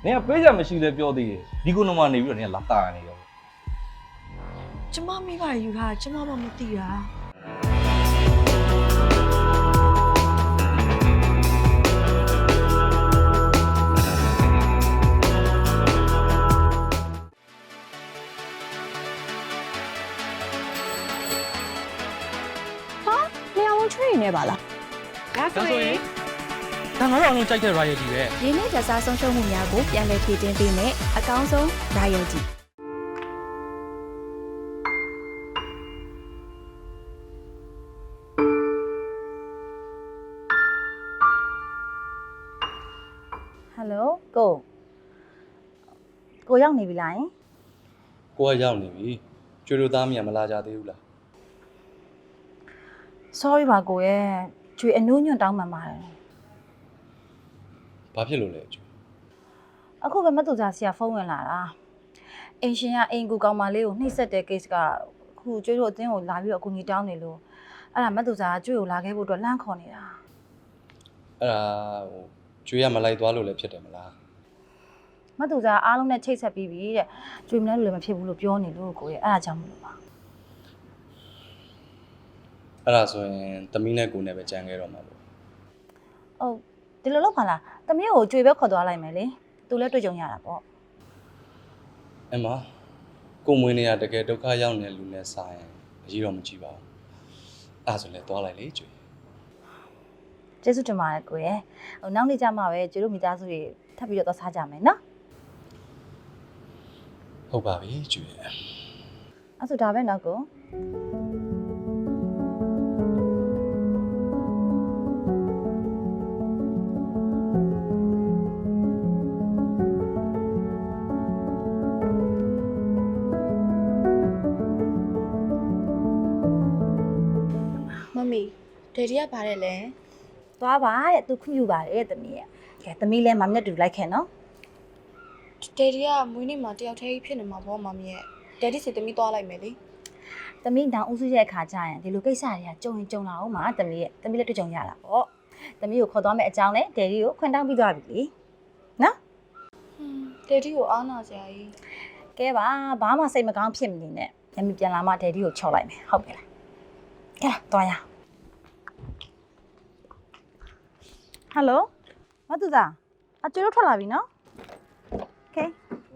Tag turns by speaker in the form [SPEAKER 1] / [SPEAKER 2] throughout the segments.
[SPEAKER 1] နင်ကပေးကြမရှိလဲပြောသေးတယ်ဒီကုနမနေပြီးတော့နင်ကလာတာနေရော
[SPEAKER 2] ကျမမိပါယူထားကျမမမသိတာ
[SPEAKER 3] ချွေးနေပါလား
[SPEAKER 2] ဒါဆိုရင်
[SPEAKER 4] ဒါငါတို့အလုံးကြိုက်တဲ့ royalty ပဲ
[SPEAKER 3] ရင်းနှီးကြစားဆုံးရှုံးမှုများကိုပြန်လည်ဖြည့်တင်းပေးမယ်အကောင်းဆုံး royalty ဟယ်လိုကိုရောက်နေပြီလားယင်
[SPEAKER 5] ကိုကရောက်နေပြီကျွေးလို့သားမြန်မလာကြသေးဘူးလား
[SPEAKER 3] sorry ပါကိုရဲ့ကျွေအနှိုးညွန့်တောင်းပန်ပါတယ်
[SPEAKER 5] ဘာဖြစ်လို့လဲကျွေး
[SPEAKER 3] အခုပဲမတူကြဆရာဖုန်းဝင်လာတာအင်ရှင်ကအင်ကူကောင်မလေးကိုနှိပ်စက်တဲ့ case ကအခုကျွေးတို့အတင်းကိုလာပြီးတော့အကူကြီးတောင်းနေလို့အဲ့ဒါမတူကြကကျွေကိုလာခဲ့ဖို့အတွက်လန့်ခေါ်နေတာ
[SPEAKER 5] အဲ့ဒါဟိုကျွေးရမလိုက်သွားလို့လည်းဖြစ်တယ်မလား
[SPEAKER 3] မတူကြအားလုံးနဲ့ချိတ်ဆက်ပြီးပြီတဲ့ကျွေမလဲလို့လည်းမဖြစ်ဘူးလို့ပြောနေလို့ကိုရဲ့အဲ့ဒါကြောင့်မလို့ပါ
[SPEAKER 5] အဲ့ဒါဆိုရင်သမီးနဲ့ကိုနဲ့ပဲကြံခဲ့တော့မှာပေါ့
[SPEAKER 3] ဟုတ်ဒီလိုလုပ်ပါလားသမီးကိုကျွေပဲခေါ်သွားလိုက်မယ်လေသူလည်းတွေ့ကြုံရတာပေါ့
[SPEAKER 5] အမကိုမွေးနေရတကယ်ဒုက္ခရောက်နေလူနဲ့စားရင်အကြီးတော့မကြည့်ပါဘူးအဲ့ဒါဆိုလည်းသွားလိုက်လေကျွေး
[SPEAKER 3] ကျေးဇူးတင်ပါတယ်ကိုရဲ့ဟိုနောက်နေ့ကျမှပဲကျွေတို့မိသားစုတွေထပ်ပြီးတော့သွားစားကြမယ်နော်
[SPEAKER 5] ဟုတ်ပါပြီကျွေး
[SPEAKER 3] အဲ့ဆိုဒါပဲနော်ကို
[SPEAKER 2] မမီဒယ်ဒီကပါတယ်လဲ
[SPEAKER 3] သွားပါတဲ့သူခွင့်ပြုပါတယ်သမီးရဲ့ကဲသမီးလည်းမမနဲ့တူလိုက်ခဲ့နော်
[SPEAKER 2] ဒယ်ဒီကမွေးနေ့မှာတယောက်တည်းဖြစ်နေမှာပေါ့မမီရဲ့ဒယ်ဒီစီတမီသွားလိုက်မယ်လေ
[SPEAKER 3] သမီးတောင်ဦးစုရဲ့အခါကျရင်ဒီလိုကိစ္စတွေကကြုံရင်ကြုံလာအောင်ပါသမီးရဲ့သမီးလည်းတွေ့ကြုံရတာပေါ့သမီးကိုခေါ်သွားမယ့်အကြောင်းနဲ့ဒယ်ဒီကိုခွင့်တောင်းပြီးသွားပြီလေနော်
[SPEAKER 2] ဒယ်ဒီကိုအားနာစရာကြီး
[SPEAKER 3] ကဲပါဘာမှစိတ်မကောင်းဖြစ်မနေနဲ့ညမပြန်လာမှဒယ်ဒီကိုချော်လိုက်မယ်ဟုတ်ပြီလားကဲသွားရဟယ်လိုမတူသားအကျွေးထွက်လာပြီနော်โอเค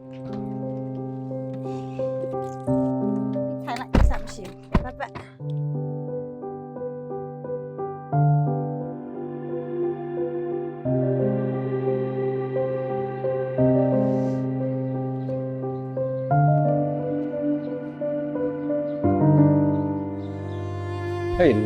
[SPEAKER 3] ထိုင်လိုက်စမ်းရှိပတ်ပတ်
[SPEAKER 1] ဟေးလူ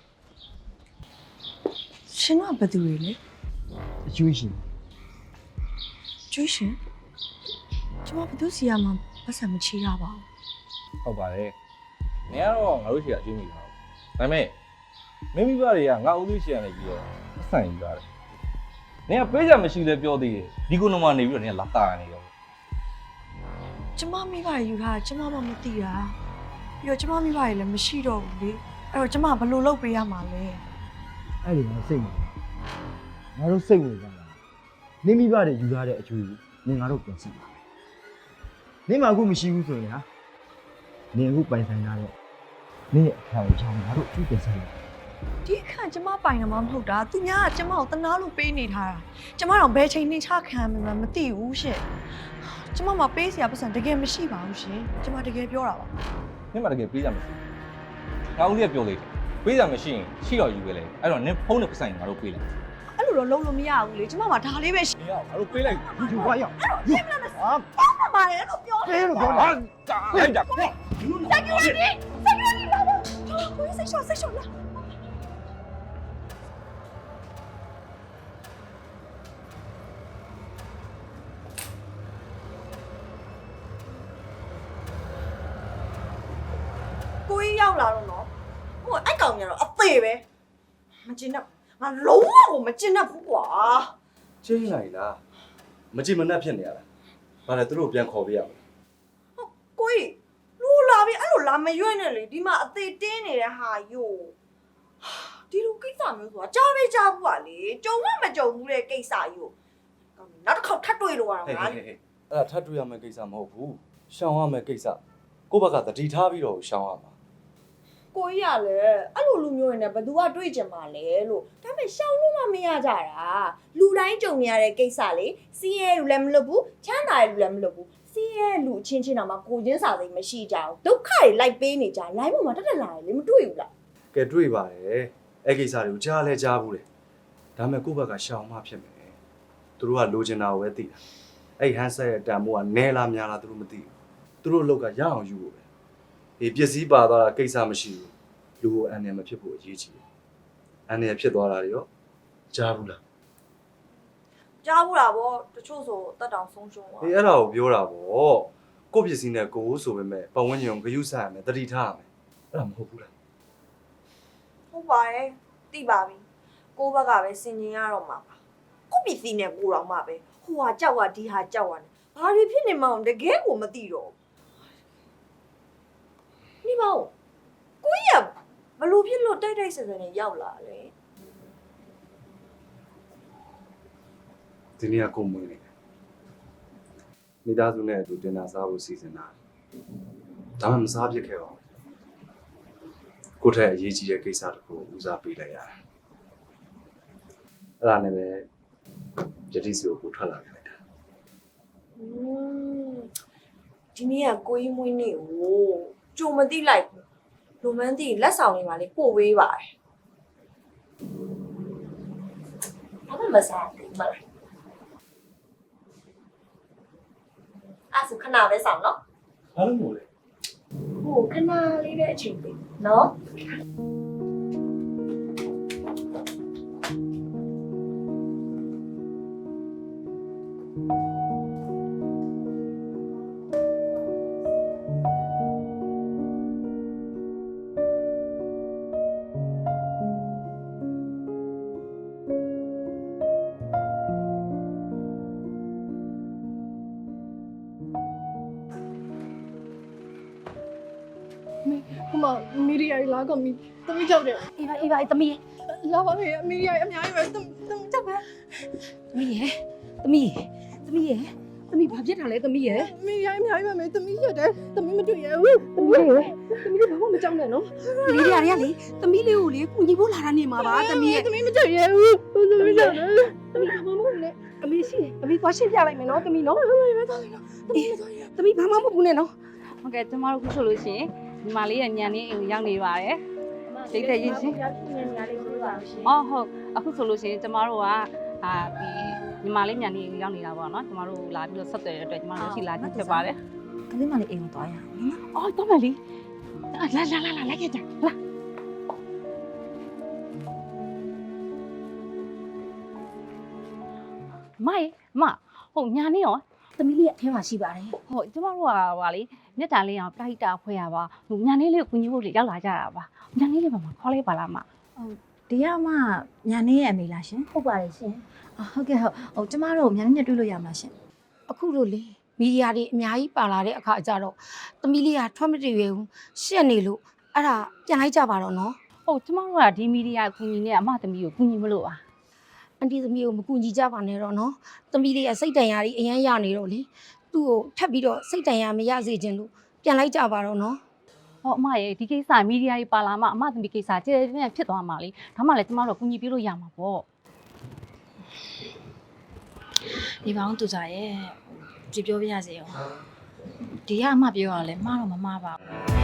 [SPEAKER 2] ရှင်ကဘယ်သူတွေလဲ
[SPEAKER 1] အကျွေးရှင်
[SPEAKER 2] ကျွေးရှင်ကျမဘယ်သူစီရမှာပတ်စံမချေရပါဘူး
[SPEAKER 1] ဟုတ်ပါတယ်နင်ကတော့ငါတို့ရှိကအကျွေးမိတာဒါပေမဲ့မိမိဘတွေကငါဦးသေးရှိရနေပြီးတော့အဆန်ယူတာတယ်နင်ကပေးကြမရှိလဲပြောသေးတယ်ဒီကုနမနေပြီးတော့နင်ကလာတာနေရော
[SPEAKER 2] ကျမမိပါယူထားကျမမမသိတာပြီးတော့ကျမမိပါလည်းမရှိတော့ဘူးလေအဲ့တော့ကျမဘယ်လိုလုပ်ပေးရမှာလဲ
[SPEAKER 6] အဲ့ဒီမှာစိတ်ဝင်ငါတို့စိတ်ဝင်စားတာနင်းမိဘတွေယူထားတဲ့အကျွေးကိုနင်ငါတို့ပြန်စီပါနင်မှအခုမရှိဘူးဆိုရင်ဟာနင်အခုပိုင်ဆိုင်ထားတဲ့နင်ရဲ့အခါကိုချောင်းငါတို့အကျွေးပြန်ဆိုင်ရ
[SPEAKER 2] ဒီအခါကျမပိုင်တာမှမဟုတ်တာသူများကကျမကိုတနာလို့ပေးနေထားတာကျမတော့ဘယ်ချိန်နှိမ့်ချခံမှမသိဘူးရှင်ကျမမပေးစရာပတ်စံတကယ်မရှိပါဘူးရှင်ကျမတကယ်ပြောတာပါ
[SPEAKER 1] နင်မတကယ်ပေးကြမရှိငါဦးလေးကပြောလိုက်တယ်ပေးကြမရှိရင်ရှိတော့ယူပဲလေအဲ့တော့နင်ဖုန်းနဲ့ပတ်ဆိုင်ငါတို့ပေးလိုက်
[SPEAKER 2] အဲ့လိုတော့လုံးလို့မရဘူးလေကျမမှာဒါလေးပဲရှိ
[SPEAKER 1] နင်ကငါတို့ပေးလိုက်
[SPEAKER 6] ယူပါရအောင်ယူဟာ
[SPEAKER 2] ပါတယ်လို့ပြော
[SPEAKER 6] ပေးလို့ပြော
[SPEAKER 1] ဟာ
[SPEAKER 6] တာ
[SPEAKER 1] တာလိုက်တာ
[SPEAKER 2] ကိုယ်စိတ်ရှော့လားကိုကြီးရောက်လာတော့နော်ဟိုအဲ့ကောင်ကြီးကတော့အသေးပဲမကျင်တော့ငါလုံးဝကိုမကျင်တော့ဘူးကွာ
[SPEAKER 5] ချင်းလိုက်လားမကြည့်မနှက်ဖြစ်နေရလားဘာလဲသူတို့ပြန်ခေါ်ပေးရမလား
[SPEAKER 2] ကိုကြီးလူလာပြီအဲ့လိုလာမရွက်နဲ့လေဒီမှာအသေးတင်းနေတဲ့ဟာယိုဒီလိုကိစ္စမျိုးဆိုတာကြားပဲကြားဘူးပါလေကြုံမကြုံဘူးတဲ့ကိစ္စယိုနောက်တစ်ခေါက်ထပ်တွေ့လို့ရအောင်
[SPEAKER 5] ဟေး
[SPEAKER 2] ငါ
[SPEAKER 5] ဟေးဟေးအဲ့ဒါထပ်တွေ့ရမယ့်ကိစ္စမဟုတ်ဘူးရှောင်ရမယ့်ကိစ္စကိုယ့်ဘက်ကတတိထားပြီးတော့ရှောင်ရမှာ
[SPEAKER 2] ကိုကြီးကလည်းအဲ့လိုလူမျိုးတွေနဲ့ဘယ်သူကတွေ့ကြမှာလဲလို့ဒါပေမဲ့ရှောင်လို့မှမရကြတာလူတိုင်းကြုံရတဲ့ကိစ္စလေစီးရဲလူလည်းမလွတ်ဘူးချမ်းသာရဲ့လူလည်းမလွတ်ဘူးစီးရဲလူချင်းချင်းတော့မှကိုချင်းစာသိမ်းမရှိကြဘူးဒုက္ခတွေလိုက်ပေးနေကြ line ပေါ်မှာတက်တက်လာတယ်လေမတွေ့ဘူးလား
[SPEAKER 5] ကဲတွေ့ပါတယ်အဲ့ကိစ္စတွေကိုကြားလဲကြားဘူးလေဒါပေမဲ့ကိုယ့်ဘက်ကရှောင်မှဖြစ်မယ်သူတို့ကလိုချင်တာကိုပဲသိတာအဲ့ဟန်ဆက်ရဲ့တန်မိုးကနဲလားများလားသူတို့မသိဘူးသူတို့အလုပ်ကရအောင်ယူဖို့ပဲဒီပစ္စည်းပါသွားတာကိစ္စမရှိဘူးလူကိုအန်ရမဖြစ်ဖို့အရေးကြီးတယ်အန်ရဖြစ်သွားတာတွေရောကြားဘူးလား
[SPEAKER 2] ကြားဘူးလားဗောတချို့ဆိုတက်တောင်ဆုံးရှုံးသွား
[SPEAKER 5] အေးအဲ့ဒါကိုပြောတာပေါ့ကိုယ့်ပစ္စည်းနဲ့ကိုယ်ဆိုပေမဲ့ပတ်ဝန်းကျင်ကိုဂရုစိုက်ရမယ်တတိထားရမယ်အဲ့ဒါမဟုတ်ဘူးလား
[SPEAKER 2] ဟုတ်ပါရဲ့သိပါပြီကိုဘက်ကပဲစင်ကျင်ရတော့မှာပါကိုပစ္စည်းနဲ့ကိုတော့မှပဲဟိုဟာကြောက်ဟာဒီဟာကြောက်ဟာနဲ့ဘာတွေဖြစ်နေမှန်းတကယ်ကိုမသိတော့နေပါဦးကိုကြီးကဘလို့ဖြစ်လို့တိုက်တိုက်ဆယ်ဆယ်နဲ့ရောက်လာလဲ
[SPEAKER 5] ဒီနေ့ကကိုယ်မွေးနေတယ်မိသားစုနဲ့အတူတင်တာစားဖို့စီစဉ်တာဒါမှမစားဖြစ်ခဲ့ပါဘူးကိုယ့်ထက်အရေးကြီးတဲ့ကိစ္စတစ်ခုဦးစားပေးလိုက်ရတယ်အဲ့ဒါနဲ့ပဲယတိစီကိုထွက်လာခဲ့လိုက်တာ
[SPEAKER 2] ဒီနေ့ကကိုကြီးမွေးနေ့ကိုကြုံမသိလိုက်ဘူးလိုမန်းသိလက်ဆောင်တွေပါလေပို့ဝေးပါတယ်ဘာမှမစားဘူးမလားအဲ့ဆိုခဏပဲဆောင်နော်
[SPEAKER 5] ဘာလို့မို့လဲ
[SPEAKER 2] ဟိုခဏလေးပဲအချိန်ပေးနော်
[SPEAKER 7] ဟိုမှာမီဒီယာကြီးလာတော့မီသမီးကြောက်တယ်
[SPEAKER 3] အေးပါအေးပါသမီး
[SPEAKER 7] လာပါမယ်မီဒီယာကြီးအများကြီးပဲသမီးကြောက်ပဲ
[SPEAKER 3] သမီးရဲ့သမီးရဲ့သမီးဘာဖြစ်တာလဲသမီးရဲ့
[SPEAKER 7] မီဒီယာကြီးအများကြီးပဲမယ်သမီးရတယ်သမီးမတွေ့ရဘူးသမီးလေးဘာမှမကြောက်နဲ့နော်
[SPEAKER 3] သမီးတွေကလေသမီးလေးကိုလေကူညီဖို့လာတာနေမှာပါသမီးရဲ့
[SPEAKER 7] သမီးမတွေ့ရဘူးသမီးကြောက်တယ်သမီးဘာမှမဟုတ်နဲ့
[SPEAKER 3] အမေရှိတယ်အမေသွားရှင်းပြလိုက်မယ်နော်သမီးနော်
[SPEAKER 7] သမီးပဲသွားလိုက်နော်သမီးမသွားရ
[SPEAKER 3] သမီးဘာမှမဟုတ်ဘူးနဲ့နော်
[SPEAKER 8] ဟုတ်ကဲ့ကျမတို့ခုဆိုလို့ရှိရင်ညီမလေးရဲ့ညံနေအိမ်ကိုရောက်နေပါတယ်ဒိတ်တဲ့ရင်ရှင်အော်ဟုတ်အခုဆိုလို့ရှိရင်ကျမတို့ကဒီညီမလေးညံနေအိမ်ကိုရောက်နေတာပေါ့နော်ကျမတို့လာပြီးတော့ဆက်သွယ်တဲ့အတွက်ကျမတို့ရှိလာခြင်းဖြစ်ပါတယ်
[SPEAKER 3] ကလေးမလေးအိမ်ကိုသွားရအောင်နော်
[SPEAKER 8] အော်တော့မယ်လေလာလိုက်ခဲ့ကြလာမဟုတ်ညာနေရော
[SPEAKER 3] သမီးလေးရဲ့အထဲမှာရှိပါတယ်
[SPEAKER 8] ဟုတ်ကျမတို့ကဟာလေမြတ်တာလေးအောင်တိုက်တာဖွဲရပါဟိုညာနေလေးကိုကူညီဖို့လေရောက်လာကြတာပါညာနေလေးပါမခေါ်လိုက်ပါလားမ
[SPEAKER 3] ဒီကမှညာနေရဲ့အမေလားရှင်ဟုတ်ပါတယ်ရှင်ဟုတ်ကဲ့ဟုတ်ကျမတို့ညာနေနဲ့တွေ့လို့ရမှာရှင်
[SPEAKER 7] အခုလို့လေမီဒီယာတွေအများကြီးပါလာတဲ့အခါကျတော့သမီးလေးကထွက်မတည်ရဘူးရှက်နေလို့အဲ့ဒါပြန်လိုက်ကြပါတော့နော်
[SPEAKER 8] ဟုတ်ကျမတို့ကဒီမီဒီယာကူညီနေအမသမီးကိုကူညီမလို့ပါ
[SPEAKER 7] အန်တီသမီးကိုမကူညီကြပါနဲ့တော့နော်သမီးလေးကစိတ်တန်ရာကြီးအရန်ရနေတော့လေသူ့ကိုထပ်ပြီးတော့စိတ်တန်ရာမရစေချင်လို့ပြန်လိုက်ကြပါတော့နော်
[SPEAKER 8] ဟောအမရဲ့ဒီကိစ္စမီဒီယာကြီးပါလာမှအမသမီးကိစ္စကျဲကျဲဖြစ်သွားမှာလေဒါမှလည်းကျမတို့ကူညီပေးလို့ရမှာပေါ့
[SPEAKER 3] ဒီပေါင်းသူစားရဲ့ကြည့်ပြောပြရစီရောဒီကအမှပြောရလဲမှားတော့မမှားပါဘူး